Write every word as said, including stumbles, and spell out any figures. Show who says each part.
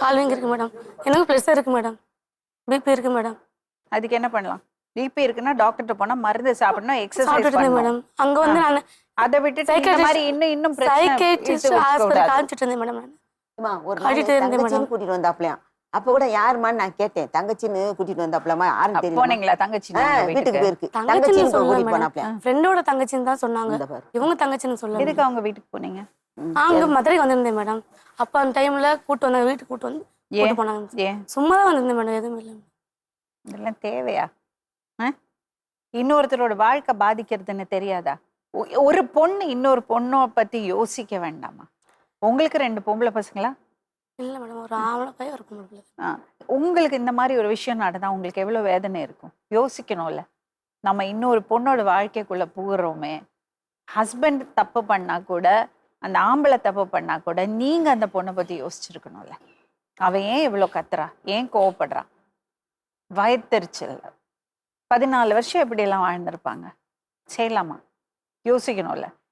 Speaker 1: கால் வீங்கி இருக்கு மேடம். எனக்கு ப்ரெஷர் இருக்கு மேடம், பிபி இருக்கு மேடம்.
Speaker 2: அதுக்கு என்ன பண்ணலாம்? பிபி இருக்குன்னா டாக்டர்கிட்ட போனா மருந்து சாப்பிடணும், எக்ஸசைஸ்
Speaker 1: சாப்பிட்டுட்டு இருந்தேன் மேடம். அங்க வந்து நான்
Speaker 2: அதை விட்டுட்டு இந்த மாதிரி இன்னும் இன்னும் பிரச்சனை
Speaker 1: சைக்கியாட்ரிஸ்ட் ஹாஸ்பிடல் காமிச்சிட்டு இருந்தேன் மேடம். நான்
Speaker 3: ஒரு தங்கச்சின்னு கூட்டிட்டு வந்தாப்லையா? அப்ப கூட யாருமான்னு நான் கேட்டேன். தங்கச்சின்னு கூட்டிட்டு வந்தாப்லமா யாருன்னு தெரியும்.
Speaker 2: போனீங்களா? தங்கச்சி
Speaker 3: வீட்டுக்கு போயிருக்கு.
Speaker 1: தங்கச்சின்னு கூட்டிட்டு போனாப்லையா? ஃப்ரெண்டோட தங்கச்சின்னு தான் சொன்னாங்க. இவங்க தங்கச்சின்னு சொல்லல.
Speaker 2: எதுக்கு அவங்க வீட்டுக்கு போனீங்க?
Speaker 1: அங்க மதுரைக்கு வந்திருந்தேன் மேடம். அப்ப அந்த டைம்ல கூட்டு வந்தாங்க, வீட்டுக்கு கூட்டு வந்து கூட்டு போனாங்க. சும்மா தான் வந்திருந்தேன் மேடம், எதுவும் இல்லை.
Speaker 2: இதெல்லாம் தேவையா? இன்னொருத்தரோட வாழ்க்கை பாதிக்கிறதுன்னு தெரியாதா? ஒரு பொண்ணு இன்னொரு பொண்ணை பத்தி யோசிக்க வேண்டாமா? உங்களுக்கு ரெண்டு பொம்பளை பசங்களா?
Speaker 1: இல்லை மேடம், ஒரு ஆம்பளை பையன் ஒரு பொம்பளை பிள்ளை.
Speaker 2: உங்களுக்கு இந்த மாதிரி ஒரு விஷயம் நடந்தா உங்களுக்கு எவ்வளவு வேதனை இருக்கும்? யோசிக்கணும்ல. நம்ம இன்னொரு பொண்ணோட வாழ்க்கைக்குள்ள புகுறோமே. ஹஸ்பண்ட் தப்பு பண்ணா கூட, அந்த ஆம்பளை தப்பு பண்ணா கூட நீங்க அந்த பொண்ணை பத்தி யோசிச்சிருக்கணும்ல. அவ ஏன் இவ்வளவு கத்துறா, ஏன் கோவப்படுறா? வயத்தெரிச்சல். பதினாலு வருஷம் எப்படி எல்லாம் வாழ்ந்திருப்பாங்க. செய்யலாமா? யோசிக்கணும்ல.